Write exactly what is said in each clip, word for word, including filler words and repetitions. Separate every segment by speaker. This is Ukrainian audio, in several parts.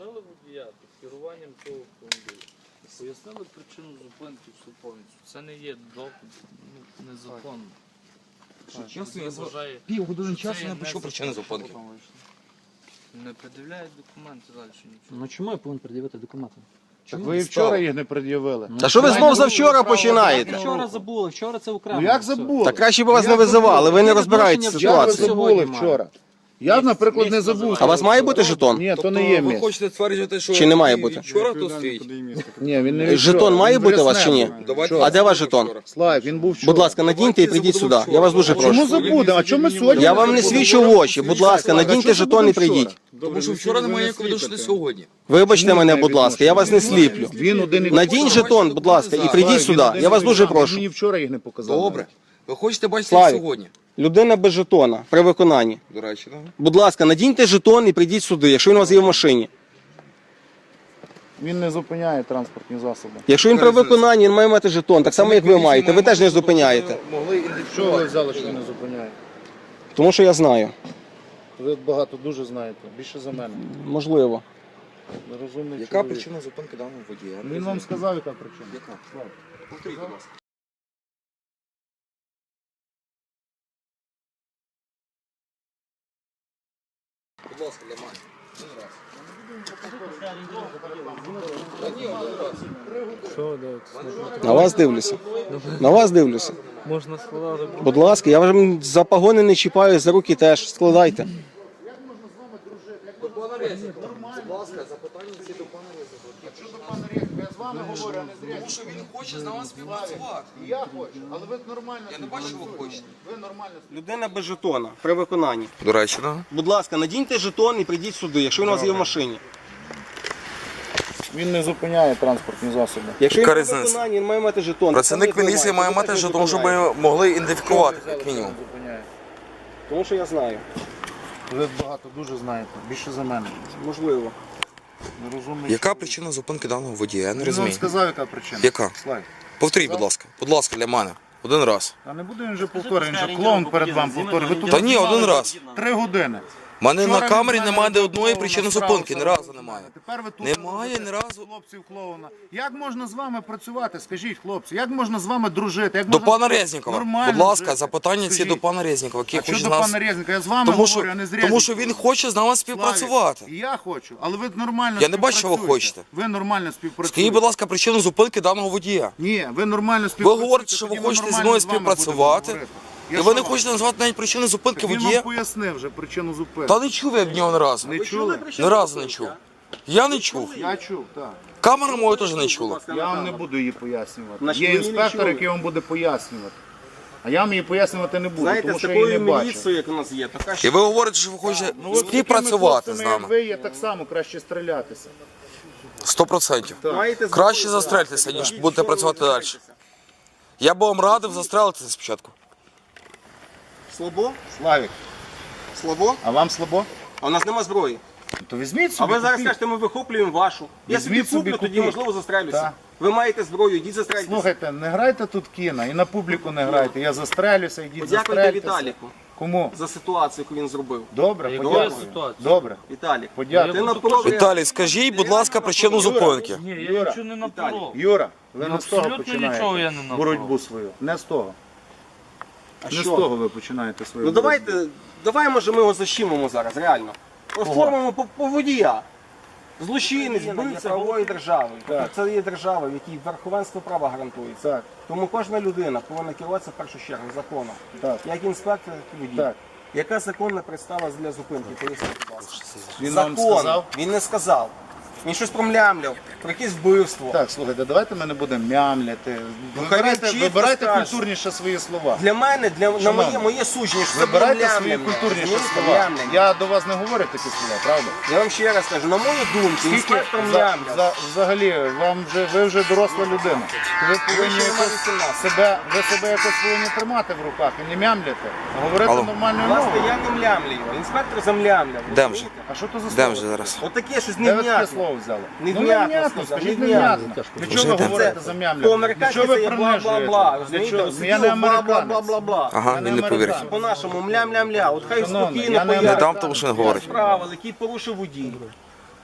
Speaker 1: зупинили водія під керуванням цього автомобіля. Пояснили причину зупинки всю повністю. Це не є до... ну, незаконно.
Speaker 2: Чесно,
Speaker 1: Вважає,
Speaker 2: півгодини
Speaker 1: що
Speaker 2: часу
Speaker 1: це
Speaker 2: не
Speaker 1: є
Speaker 2: почув причини зупинки.
Speaker 1: Не пред'являють документи далі нічого.
Speaker 3: Ну чому я повинен пред'явити документи?
Speaker 4: Так ви і вчора їх не пред'явили.
Speaker 2: Та що ви знов за вчора починаєте?
Speaker 3: Вчора забули, вчора це окремо.
Speaker 4: Ну як
Speaker 3: все.
Speaker 4: забули?
Speaker 2: Та краще б вас не визивали, ви не розбираєтеся в
Speaker 4: Як ви
Speaker 2: ситуації.
Speaker 4: забули
Speaker 3: Сьогодні
Speaker 4: вчора? Я, наприклад, не забув.
Speaker 2: А у вас має бути жетон?
Speaker 4: Ні, то не є
Speaker 5: Ви
Speaker 4: місць.
Speaker 5: хочете стверджувати, що
Speaker 2: Чи не має бути?
Speaker 5: вчора тут стоїть?
Speaker 4: Ні, він не від
Speaker 2: Жетон
Speaker 4: вчора,
Speaker 2: має
Speaker 4: він
Speaker 2: бути у вас чи ні?
Speaker 4: вересневий.
Speaker 5: Давайте
Speaker 2: А де ваш жетон?
Speaker 4: Слайк, він був вчора.
Speaker 2: Будь ласка, надіньте і прийдіть сюди. Я вас дуже
Speaker 4: Чому
Speaker 2: прошу.
Speaker 4: забудемо? А чому ми сьогодні?
Speaker 2: Я вам не свідчу в очі. Будь ласка, надіньте жетон і прийдіть.
Speaker 5: Тому що вчора немає ніякого відношення сьогодні.
Speaker 2: Вибачте мене, будь ласка, я вас не сліплю.
Speaker 4: Він один і
Speaker 2: Надінь жетон, будь ласка, і прийдіть сюди. Я вас дуже прошу.
Speaker 4: Мені вчора їх не показав.
Speaker 5: Добре. Ви хочете бачити їх
Speaker 2: Славік.
Speaker 5: сьогодні?
Speaker 2: Людина без жетона при виконанні.
Speaker 5: До речі, так?
Speaker 2: Будь ласка, надіньте жетон і прийдіть сюди, якщо він у вас є в машині.
Speaker 4: Він не зупиняє транспортні засоби.
Speaker 2: Якщо він при виконанні, він має мати жетон, так само як ви маєте. Ви теж не зупиняєте.
Speaker 5: Могли
Speaker 4: Що ви взяли, що він не зупиняє?
Speaker 2: Тому що я знаю.
Speaker 4: Ви багато дуже знаєте, більше за мене.
Speaker 2: Можливо.
Speaker 4: Нерозумний
Speaker 5: Яка
Speaker 4: чоловік.
Speaker 5: причина зупинки даного водія?
Speaker 4: Він вам сказав, яка причина.
Speaker 5: Яка? Повторіть, будь ласка. Будь ласка, для мене. Один раз. Та ні, один раз.
Speaker 1: Що, де?
Speaker 2: На вас дивлюся. На вас дивлюся.
Speaker 1: Можна складати.
Speaker 2: Будь ласка, я вам за погони не чіпаю, за руки теж. Складайте.
Speaker 5: До пана Резникова. Будь ласка, запитання всі до пана Резникова.
Speaker 4: Що до пана Резникова? Я з вами говорю, а не з
Speaker 5: Тому що він хоче з нами співпрацювати.
Speaker 4: І я хочу, але ви нормально.
Speaker 5: Я не бачу, що ви хочете.
Speaker 4: Ви нормально.
Speaker 2: Людина без жетона при виконанні.
Speaker 5: До речі, так?
Speaker 2: Будь ласка, надіньте жетон і прийдіть сюди, якщо він у вас є в машині.
Speaker 4: Він не зупиняє транспортні засоби.
Speaker 2: Якщо він
Speaker 5: Яка
Speaker 2: при
Speaker 5: різниця?
Speaker 2: виконанні, він має мати жетон.
Speaker 5: Працівник
Speaker 2: Так само, як ви
Speaker 5: міліції
Speaker 2: маєте.
Speaker 5: має
Speaker 2: Ви
Speaker 5: мати
Speaker 2: теж не
Speaker 5: жетон, щоб
Speaker 2: зупиняєте.
Speaker 5: ми могли ідентифікувати, як мінімум.
Speaker 4: Він зупиняє.
Speaker 2: Тому що я знаю.
Speaker 4: Ви багато дуже знаєте, більше за мене.
Speaker 2: Можливо.
Speaker 4: Нерозумний
Speaker 5: Яка
Speaker 4: чоловік.
Speaker 5: причина зупинки даного водія? Я не
Speaker 4: Він вам
Speaker 5: розумію.
Speaker 4: сказав, яка причина.
Speaker 5: Яка?
Speaker 4: Слайд.
Speaker 5: Повторіть, будь ласка. Будь ласка, для мене. Один раз.
Speaker 4: А не буду він вже повторювати, він же клоун перед вами повторює. Ви тут
Speaker 5: Та ні, один раз.
Speaker 4: три години.
Speaker 5: У мене
Speaker 4: Вчора
Speaker 5: на
Speaker 4: він
Speaker 5: камері
Speaker 4: з мене
Speaker 5: немає ні одної
Speaker 4: клоуна
Speaker 5: причини
Speaker 4: справу
Speaker 5: зупинки, ні
Speaker 4: став
Speaker 5: разу немає.
Speaker 4: Тепер ви тут
Speaker 5: Немає
Speaker 4: робите
Speaker 5: ні разу.
Speaker 4: хлопців клоуна. Як можна з вами працювати? Скажіть, хлопці, як можна з вами дружити? Як
Speaker 5: До
Speaker 4: можна
Speaker 5: пана Резнікова.
Speaker 4: нормально
Speaker 5: Будь ласка,
Speaker 4: жити?
Speaker 5: запитання всі
Speaker 4: Скажіть.
Speaker 5: до пана Резнікова, який
Speaker 4: А що
Speaker 5: хоче
Speaker 4: до
Speaker 5: з нас...
Speaker 4: пана Резника? Я з вами
Speaker 5: Тому
Speaker 4: говорю,
Speaker 5: що,
Speaker 4: а не з
Speaker 5: тому
Speaker 4: Резниковим.
Speaker 5: що він хоче з нами співпрацювати.
Speaker 4: Славік, і я хочу, але ви нормально
Speaker 5: Я не бачу, що ви
Speaker 4: співпрацюєте.
Speaker 5: хочете.
Speaker 4: Ви нормально співпрацюєте.
Speaker 5: Скажіть, будь ласка, причину зупинки даного водія.
Speaker 4: Ні, ви нормально
Speaker 5: Ви
Speaker 4: співпрацюєте.
Speaker 5: говорите, що ви
Speaker 4: тоді ми
Speaker 5: хочете зі
Speaker 4: нормально
Speaker 5: мною
Speaker 4: з вами
Speaker 5: співпрацювати,
Speaker 4: будемо говорити.
Speaker 5: і
Speaker 4: Я
Speaker 5: ви
Speaker 4: що
Speaker 5: не
Speaker 4: вам?
Speaker 5: хочете назвати навіть причину зупинки
Speaker 4: Так він
Speaker 5: водія.
Speaker 4: вам пояснив вже причину зупинки.
Speaker 5: Та не чув я від нього ні разу.
Speaker 4: Не чули?
Speaker 5: Ні разу не чув. Я не чув.
Speaker 4: Я чув, так.
Speaker 5: Камера моя теж не чула.
Speaker 4: Я вам не буду її пояснювати.
Speaker 2: Значить,
Speaker 4: Є
Speaker 2: ви її не
Speaker 4: інспектор,
Speaker 2: чули.
Speaker 4: який вам буде пояснювати. А я вам її пояснювати не буду,
Speaker 2: Знаєте,
Speaker 4: тому
Speaker 2: з
Speaker 4: що я її не
Speaker 2: такою
Speaker 4: бачу.
Speaker 2: міліцією, як у нас є, така
Speaker 5: І
Speaker 2: що...
Speaker 5: ви говорите, що ви хочете
Speaker 4: Ну, от з такими
Speaker 5: співпрацювати з
Speaker 4: хлопцями, як
Speaker 5: нами.
Speaker 4: ви є так само, краще стрілятися.
Speaker 5: Сто процентів.
Speaker 2: Маєте
Speaker 5: Краще
Speaker 2: зброю,
Speaker 5: застрельтеся,
Speaker 2: так.
Speaker 5: ніж
Speaker 2: Ідіть,
Speaker 5: будете
Speaker 2: що ви
Speaker 5: працювати далі.
Speaker 2: розбираєтеся?
Speaker 5: Я б вам радив застрелитися спочатку.
Speaker 2: Слабо?
Speaker 4: Славік,
Speaker 2: Слабо?
Speaker 4: а вам слабо?
Speaker 2: А у нас нема зброї.
Speaker 4: То візьміть
Speaker 2: А
Speaker 4: собі.
Speaker 2: ви зараз
Speaker 4: купіть.
Speaker 2: кажете, ми вихоплюємо вашу. Я собі
Speaker 4: Візьміть собі,
Speaker 2: куплю, тоді
Speaker 4: купіть.
Speaker 2: можливо застрелюся.
Speaker 4: Так.
Speaker 2: Ви маєте зброю, йдіть застрелюйтесь.
Speaker 4: Слухайте, не грайте тут кіно і на публіку не грайте. Я застрелюся, йдіть
Speaker 2: Подякуйте
Speaker 4: застрельтеся.
Speaker 2: Віталіку
Speaker 4: Кому?
Speaker 2: за ситуацію, яку він зробив.
Speaker 4: Добре,
Speaker 1: Якою
Speaker 4: подякую.
Speaker 1: ситуацією?
Speaker 4: Добре,
Speaker 2: Віталік,
Speaker 4: подякую.
Speaker 2: ти напоров...
Speaker 5: Віталій, скажіть, будь ласка, причину зупинки.
Speaker 1: Ні, я
Speaker 4: Юра,
Speaker 1: нічого не напоров.
Speaker 4: Юра, ви
Speaker 1: Ну,
Speaker 4: не з того
Speaker 1: абсолютно нічого я не
Speaker 4: починаєте
Speaker 1: напав.
Speaker 4: боротьбу свою. Не з того.
Speaker 2: А
Speaker 4: Не з
Speaker 2: що?
Speaker 4: того ви починаєте свою
Speaker 2: Ну
Speaker 4: боротьбу.
Speaker 2: давайте, давай може ми його защемимо зараз, реально. Оформимо по, по водія. Злочинець, вбивця правової держави.
Speaker 4: Так.
Speaker 2: Це є держава, в якій верховенство права гарантується.
Speaker 4: Так,
Speaker 2: Тому кожна людина повинна керуватися в першу чергу законом.
Speaker 4: так,
Speaker 2: Як інспектор, так і водій.
Speaker 4: так.
Speaker 2: Яка законна підстава для зупинки? Поясніть, будь ласка.
Speaker 4: Він вам
Speaker 2: Закон.
Speaker 4: сказав?
Speaker 2: Він не сказав. Він щось промлямляв, про якесь вбивство.
Speaker 4: Так, слухайте, давайте ми не будемо мямляти.
Speaker 2: хай
Speaker 4: Вибирайте,
Speaker 2: він чітко
Speaker 4: вибирайте
Speaker 2: скаже.
Speaker 4: культурніше свої слова.
Speaker 2: Для мене, для, на
Speaker 4: Шановний,
Speaker 2: моє, моє судження, що це було
Speaker 4: Вибирайте свої
Speaker 2: млямляння.
Speaker 4: культурніші
Speaker 2: Розумієте?
Speaker 4: слова.
Speaker 2: Млямляння.
Speaker 4: Я до вас не говорю такі слова, правда?
Speaker 2: Я вам ще раз кажу, на мою думку,
Speaker 4: Скільки
Speaker 2: інспектор
Speaker 4: за,
Speaker 2: млямляв.
Speaker 4: за, взагалі, вам вже, ви вже доросла людина. Ви повинні
Speaker 2: ще нема
Speaker 4: якось
Speaker 2: вісімнадцяти.
Speaker 4: себе, ви себе якось повинні тримати в руках і не мямляти, а говорити
Speaker 5: Алло.
Speaker 4: нормальною
Speaker 2: Власне,
Speaker 4: мовою.
Speaker 2: я не млямлю його, інспектор замлямляв.
Speaker 5: Де
Speaker 2: розумієте?
Speaker 4: А що то за
Speaker 5: Де
Speaker 4: слово?
Speaker 5: вже зараз?
Speaker 2: Отаке щось
Speaker 4: Де ви таке
Speaker 2: невнятне.
Speaker 4: слово взяли?
Speaker 2: Невнятно
Speaker 4: ну, невнятно,
Speaker 2: сказав,
Speaker 4: скажіть
Speaker 2: невнятно.
Speaker 4: невнятно. Для
Speaker 5: Вже
Speaker 4: чого ви
Speaker 5: йдемо.
Speaker 4: говорите за мямляння?
Speaker 2: По-американськи
Speaker 4: Для чого
Speaker 2: це
Speaker 4: ви
Speaker 2: є бла-бла-бла.
Speaker 4: принижуєте?
Speaker 2: Розумієте?
Speaker 4: Для чого? Я не американець.
Speaker 2: Бла-бла-бла-бла.
Speaker 5: Ага,
Speaker 4: Я не
Speaker 5: він не повірить.
Speaker 4: американець.
Speaker 2: По-нашому млям-лям-ля. От хай
Speaker 4: Шановний,
Speaker 2: спокійно
Speaker 4: я не
Speaker 2: пояснює.
Speaker 5: Не дам, тому що не говорить.
Speaker 2: Правил, який порушив водій.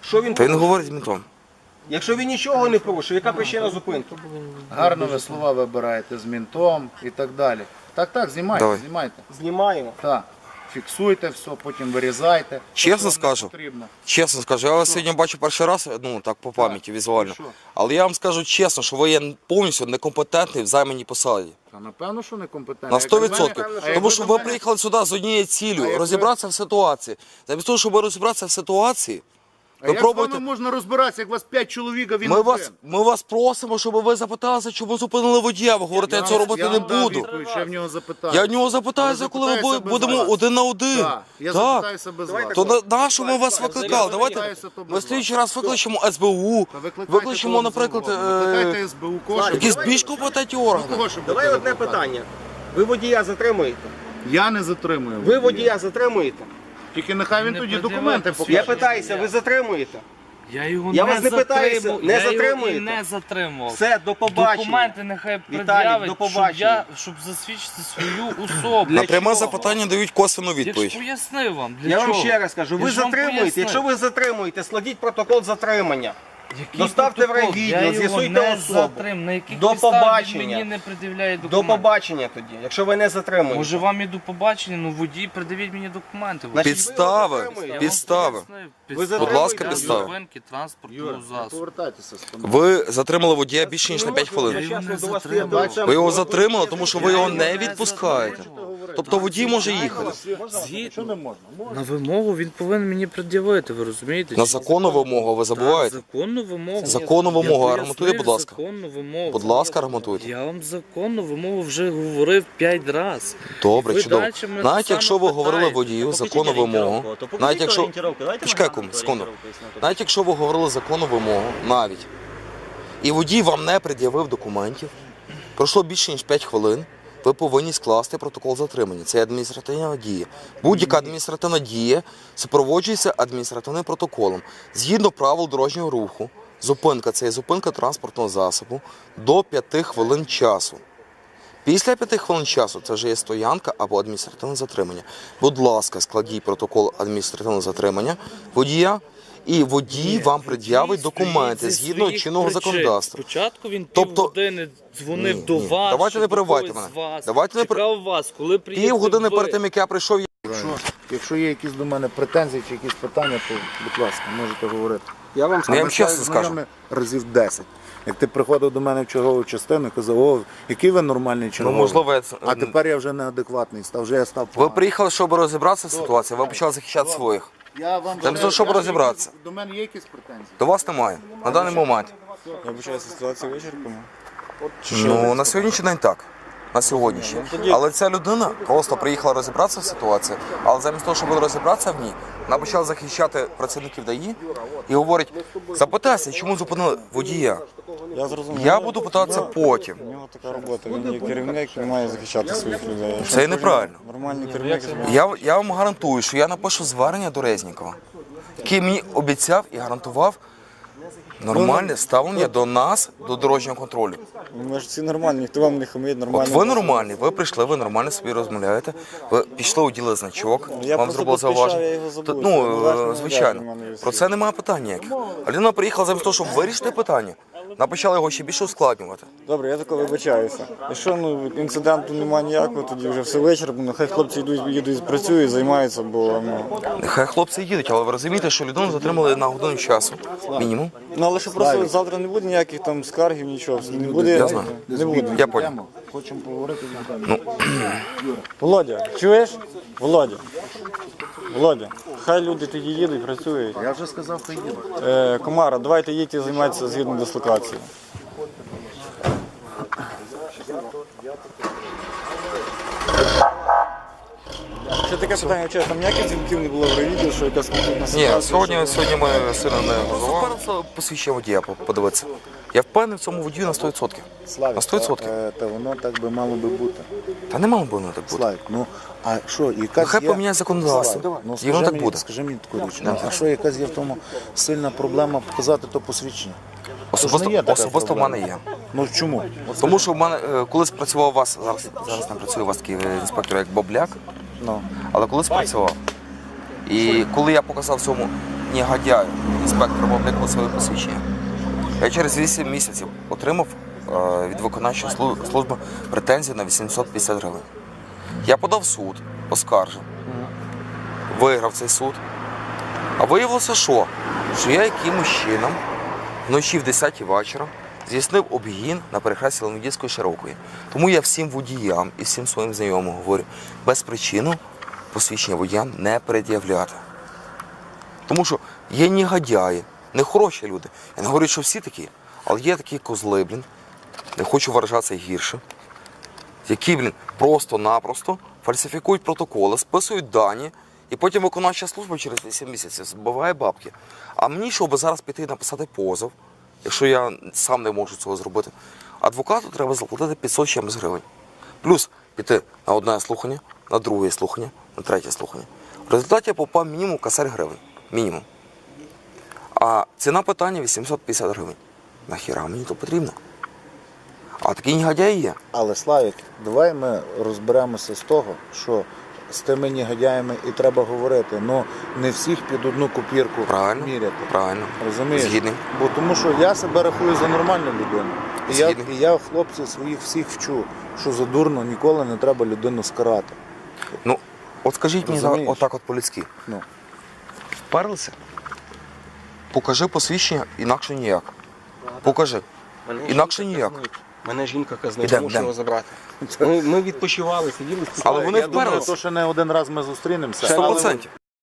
Speaker 2: Що він
Speaker 6: Та він
Speaker 2: порушив?
Speaker 6: говорить з ментом.
Speaker 2: Якщо він нічого не порушив, яка причина зупинки?
Speaker 4: Гарно ви слова вибираєте з мінтом і так далі. Так, так, знімайте,
Speaker 6: Давай.
Speaker 4: знімайте.
Speaker 2: Знімаємо.
Speaker 4: Так. Фіксуйте все, потім вирізайте.
Speaker 6: Чесно
Speaker 4: Що вам
Speaker 6: скажу.
Speaker 4: потрібно.
Speaker 6: Чесно скажу, я вас сьогодні бачу перший раз, ну так по пам'яті візуально.
Speaker 4: що?
Speaker 6: Але я вам скажу чесно, що ви є повністю некомпетентний в займаній посаді.
Speaker 4: Та напевно, що некомпетентно.
Speaker 6: На
Speaker 4: Як
Speaker 6: сто
Speaker 4: ви мене-
Speaker 6: відсотків.
Speaker 4: а як
Speaker 6: Тому що
Speaker 4: до
Speaker 6: ви
Speaker 4: мене-
Speaker 6: приїхали сюди з однією
Speaker 4: А
Speaker 6: ціллю
Speaker 4: як ви-
Speaker 6: розібратися в ситуації. Замість того, щоб розібратися в ситуації,
Speaker 4: А
Speaker 6: ви
Speaker 4: як
Speaker 6: пробуєте.
Speaker 4: з вами можна розбиратися, як вас п'ять чоловік, а він
Speaker 6: Ми
Speaker 4: один?
Speaker 6: вас, ми вас просимо, щоб ви запиталися, чому зупинили водія. Ви говорите, я,
Speaker 4: вам-
Speaker 6: цього робити
Speaker 4: я
Speaker 6: не
Speaker 4: вам дам
Speaker 6: буду.
Speaker 4: відповідь, що я в нього запитаю.
Speaker 6: Я в нього запитаюся,
Speaker 4: Але
Speaker 6: коли ми
Speaker 4: запитаюся
Speaker 6: бу-
Speaker 4: без
Speaker 6: будемо
Speaker 4: вас.
Speaker 6: один на один.
Speaker 4: Так, я
Speaker 6: Так.
Speaker 4: запитаюся без вас.
Speaker 6: То на, на що ми вас викликали? Давайте
Speaker 4: запитаюся, то без
Speaker 6: ми
Speaker 4: вас.
Speaker 6: слідчий раз викличемо ес бе у,
Speaker 4: Та викликайте
Speaker 6: викличемо,
Speaker 4: того
Speaker 6: наприклад,
Speaker 4: СБУ.
Speaker 6: е,
Speaker 4: Викликайте ес бе у, кого щоб
Speaker 6: якісь
Speaker 4: ви-
Speaker 6: більш компетентні
Speaker 4: Ну,
Speaker 6: органи.
Speaker 4: кого щоб
Speaker 2: Давай
Speaker 4: ви
Speaker 2: одне
Speaker 4: викликали?
Speaker 2: питання. Ви водія затримуєте?
Speaker 4: Я не затримую.
Speaker 2: Ви водія затримуєте?
Speaker 4: Тільки нехай він
Speaker 1: Не
Speaker 4: тоді
Speaker 1: пред'являйте
Speaker 4: документи
Speaker 1: свої.
Speaker 2: Я
Speaker 4: покаже.
Speaker 2: питаюся, ви затримуєте?
Speaker 1: Я його
Speaker 2: Я
Speaker 1: не
Speaker 2: вас не питаюся,
Speaker 1: затримав.
Speaker 2: не
Speaker 1: я його
Speaker 2: затримуєте?
Speaker 1: і не затримував.
Speaker 2: Все, до побачення.
Speaker 1: Документи нехай
Speaker 2: Віталік,
Speaker 1: пред'явить,
Speaker 2: до
Speaker 1: щоб,
Speaker 2: побачення.
Speaker 1: я, щоб засвідчити свою особу.
Speaker 6: На пряме
Speaker 2: чого?
Speaker 6: запитання дають косвену
Speaker 1: Я ж
Speaker 6: відповідь.
Speaker 1: пояснив вам, для
Speaker 2: Я
Speaker 1: чого.
Speaker 2: вам ще раз кажу, ви
Speaker 1: Я ж вам
Speaker 2: затримуєте.
Speaker 1: пояснив.
Speaker 2: Якщо ви затримуєте, складіть протокол затримання.
Speaker 1: Який
Speaker 2: доставте в
Speaker 1: протокол?
Speaker 2: райвідділ,
Speaker 1: Я його
Speaker 2: з'ясуйте
Speaker 1: не
Speaker 2: особу.
Speaker 1: затрим. На яких
Speaker 2: До
Speaker 1: підставах він
Speaker 2: побачення.
Speaker 1: мені не пред'являє
Speaker 2: До
Speaker 1: документи?
Speaker 2: побачення тоді, якщо ви не затримуєте.
Speaker 1: Може вам і до побачення, ну водій, пред'явіть мені документи.
Speaker 2: Значить,
Speaker 6: Підстави,
Speaker 2: ви затримуєте.
Speaker 1: Я вам
Speaker 6: підстави.
Speaker 1: пояснив.
Speaker 2: Ви
Speaker 1: Підстави
Speaker 2: Будь ласка,
Speaker 1: для
Speaker 6: підстави.
Speaker 1: зупинки транспортного
Speaker 4: Юра, не
Speaker 1: засобу.
Speaker 4: повертайтеся з тобою.
Speaker 6: Ви затримали водія більше ніж на п'ять
Speaker 1: Я
Speaker 6: хвилин.
Speaker 1: його не
Speaker 2: До вас
Speaker 1: затримав.
Speaker 2: стоїть лицем.
Speaker 6: Ви його затримали, тому що ви його
Speaker 1: Я
Speaker 6: не
Speaker 1: його не
Speaker 6: відпускаєте.
Speaker 1: затримав.
Speaker 6: Тобто водій може їхати.
Speaker 4: Що не можна? Можна.
Speaker 1: На вимогу він повинен мені пред'явити, ви розумієте?
Speaker 6: На законну вимогу ви забуваєте.
Speaker 1: Так, законну вимогу.
Speaker 6: Законну
Speaker 1: Я
Speaker 6: вимогу,
Speaker 1: пояснив
Speaker 6: аргументуйте, будь ласка.
Speaker 1: Законну вимогу.
Speaker 6: Будь ласка, аргументуйте.
Speaker 1: Я вам законну вимогу вже говорив п'ять разів.
Speaker 6: Добре,
Speaker 1: Ви
Speaker 6: чудово.
Speaker 1: далі мене
Speaker 6: Навіть
Speaker 1: саме
Speaker 6: якщо ви говорили
Speaker 1: питаєте.
Speaker 6: водію законну вимогу, навіть якщо Почекай, кум, секунду. Навіть якщо ви говорили законну вимогу, навіть і водій вам не пред'явив документів, пройшло більше ніж п'ять хвилин, ви повинні скласти протокол затримання. Це адміністративна дія. Будь-яка адміністративна дія супроводжується адміністративним протоколом. Згідно правил дорожнього руху, зупинка це є зупинка транспортного засобу до п'яти хвилин часу. Після п'яти хвилин часу це вже є стоянка або адміністративне затримання. Будь ласка, складіть протокол адміністративного затримання водія, і водій вам пред'явить документи
Speaker 1: Зі
Speaker 6: згідно
Speaker 1: своїх
Speaker 6: чинного
Speaker 1: причин.
Speaker 6: законодавства.
Speaker 1: Спочатку він
Speaker 6: Тобто-
Speaker 1: півгодини дзвонив
Speaker 6: Ні,
Speaker 1: до
Speaker 6: ні.
Speaker 1: вас.
Speaker 6: Давайте
Speaker 1: щоб
Speaker 6: не перебивайте
Speaker 1: когось
Speaker 6: мене.
Speaker 1: з вас.
Speaker 6: Давайте не пер-
Speaker 1: Чекав вас, коли приїдете
Speaker 6: Півгодини
Speaker 1: ви.
Speaker 6: перед тим, як я прийшов, я
Speaker 4: Якщо, якщо є якісь до мене претензії чи якісь питання, то, будь ласка, можете говорити.
Speaker 2: Я вам
Speaker 6: Ну, я
Speaker 4: Ми
Speaker 6: вам чесно
Speaker 4: з
Speaker 6: скажу.
Speaker 4: знайомі разів десять. Як ти приходив до мене в чергову частину і казав, о, який ви нормальний
Speaker 6: ну,
Speaker 4: черговий.
Speaker 6: можливо, я це-
Speaker 4: А тепер я вже неадекватний став, вже я став
Speaker 6: ви
Speaker 4: поганий.
Speaker 6: приїхали, щоб розібратися в ситуації, ви почали захищати своїх.
Speaker 4: Я вам
Speaker 6: Там
Speaker 4: вже-
Speaker 6: щоб
Speaker 4: я-
Speaker 6: розібратися.
Speaker 4: До мене є якісь претензії?
Speaker 6: До вас немає. На даний момент.
Speaker 7: Я вважаю, ситуацію вичерпано.
Speaker 6: Ну, на сьогоднішній день так. На сьогоднішній. Але ця людина просто приїхала розібратися в ситуації, але замість того, щоб розібратися в ній, вона почала захищати працівників ДАІ і говорить, запитайся, чому зупинили водія.
Speaker 7: Я зрозумів.
Speaker 6: Я буду питатися потім.
Speaker 7: У нього така робота. Він є керівник, він має захищати своїх людей. Якщо
Speaker 6: Це неправильно.
Speaker 7: Нормальний керівник.
Speaker 6: Я, я вам гарантую, що я напишу звернення до Резнікова, який мені обіцяв і гарантував нормальне ставлення до нас, до дорожнього контролю.
Speaker 7: Ми ж всі нормальні, ніхто вам не хамить,
Speaker 6: От
Speaker 7: нормально.
Speaker 6: ви нормальні, ви прийшли, ви нормально собі розмовляєте, ви пішли, уділи значок,
Speaker 7: Я
Speaker 6: вам
Speaker 7: просто
Speaker 6: зробили
Speaker 7: поспішав,
Speaker 6: зауваження.
Speaker 7: я його забув.
Speaker 6: Та,
Speaker 7: Це
Speaker 6: Ну,
Speaker 7: належно,
Speaker 6: е, звичайно,
Speaker 7: належно, мене
Speaker 6: про це немає питань ніяких. А людина приїхала замість того, щоб вирішити питання, вона почала його ще більше ускладнювати.
Speaker 7: Добре, я тако вибачаюся. Якщо ну, інциденту немає ніякого, тоді вже все вичерпано. Хай хлопці йдуть, їдуть, працюють, займаються, бо ну.
Speaker 6: Нехай хлопці їдуть, але ви розумієте, що людину затримали на годину часу, мінімум.
Speaker 7: Ну але що просто завтра не буде ніяких там скаргів, нічого. Не буде.
Speaker 6: Я знаю.
Speaker 7: Не буде.
Speaker 6: Я понял.
Speaker 4: Хочемо поговорити.
Speaker 7: Володя, чуєш? Володя. Володя, хай люди тоді їдуть, працюють.
Speaker 4: Я вже сказав, хай їде.
Speaker 7: Е, Комара, давайте їдьте займатися згідно дислокації. Ще таке питання, чесно, там ніяких дзвінків не було в райвідділ, що якась конфліктна ситуація?
Speaker 6: Ні, сьогодні,
Speaker 7: що-
Speaker 6: сьогодні ми сильно не газували. Посвідчення водія подивитися. Я впевнений в цьому водію на сто відсотків.
Speaker 4: Славік,
Speaker 6: На сто відсотків.
Speaker 4: Та, та воно так би мало би бути.
Speaker 6: Та не мало б воно так бути.
Speaker 4: Славік, ну а що, якась
Speaker 6: Нехай
Speaker 4: є...
Speaker 6: поміняє законодавство.
Speaker 4: Славік, ну,
Speaker 6: І
Speaker 4: скажи
Speaker 6: воно так
Speaker 4: мені,
Speaker 6: буде.
Speaker 4: Скажи мені таку річ, ну, а що якась є в тому сильна проблема показати то посвідчення?
Speaker 6: Особисто,
Speaker 4: не є така
Speaker 6: особисто в
Speaker 4: проблема.
Speaker 6: мене є.
Speaker 4: Ну чому? От
Speaker 6: Тому що в мене е, колись працював у вас, зараз, зараз не працює у вас такий е, інспектор, як Бобляк,
Speaker 4: Ну,
Speaker 6: але колись працював. І коли я показав цьому негодяю, інспектором обліку своє посвідчення. Я через вісім місяців отримав е, від виконавчої слу- служби претензію на вісімсот п'ятдесят гривень. Я подав в суд, оскаржив, виграв цей суд. А виявилося, що? Що я якимось чином вночі в десятій вечора здійснив обгін на перехресті Леонідівської Широкої. Тому я всім водіям і всім своїм знайомим говорю, без причини посвідчення водіям не пред'являти. Тому що є негодяї, нехороші люди. Я не говорю, що всі такі, але є такі козли, блін, не хочу виражатися гірше, які, блін, просто-напросто фальсифікують протоколи, списують дані, і потім виконавча служба через вісім місяців збиває бабки. А мені, щоб зараз піти і написати позов, якщо я сам не можу цього зробити, адвокату треба заплатити п'ятсот чимось гривень. Плюс піти на одне слухання, на друге слухання, на третє слухання. В результаті я попав мінімум косарь гривень. Мінімум. А ціна питання вісімсот п'ятдесят гривень. Нахіра мені то потрібно? А такі негодяї є.
Speaker 4: Але, Славік, давай ми розберемося з того, що з тими негодяями і треба говорити. Ну, не всіх під одну копірку
Speaker 6: Правильно,
Speaker 4: міряти.
Speaker 6: правильно.
Speaker 4: Розумієш?
Speaker 6: Згідний.
Speaker 4: Бо тому що я себе рахую за нормальну людину. І я,
Speaker 6: Згідний.
Speaker 4: і я хлопців своїх всіх вчу, що за дурно ніколи не треба людину скарати.
Speaker 6: Ну, от скажіть мені
Speaker 4: Розумієш?
Speaker 6: отак от по-людськи.
Speaker 4: Ну.
Speaker 6: Вперлися? Покажи посвідчення, інакше ніяк. Покажи. Інакше ніяк.
Speaker 2: Мене жінка казнить,
Speaker 6: Ідем,
Speaker 2: мушу
Speaker 6: ідем.
Speaker 2: його забрати. Ми, ми відпочивали, сиділи,
Speaker 6: Але вони
Speaker 4: Я думаю,
Speaker 6: вперлися.
Speaker 4: то, що не один раз ми зустрінемося.
Speaker 6: Сто
Speaker 4: але-
Speaker 6: процентів.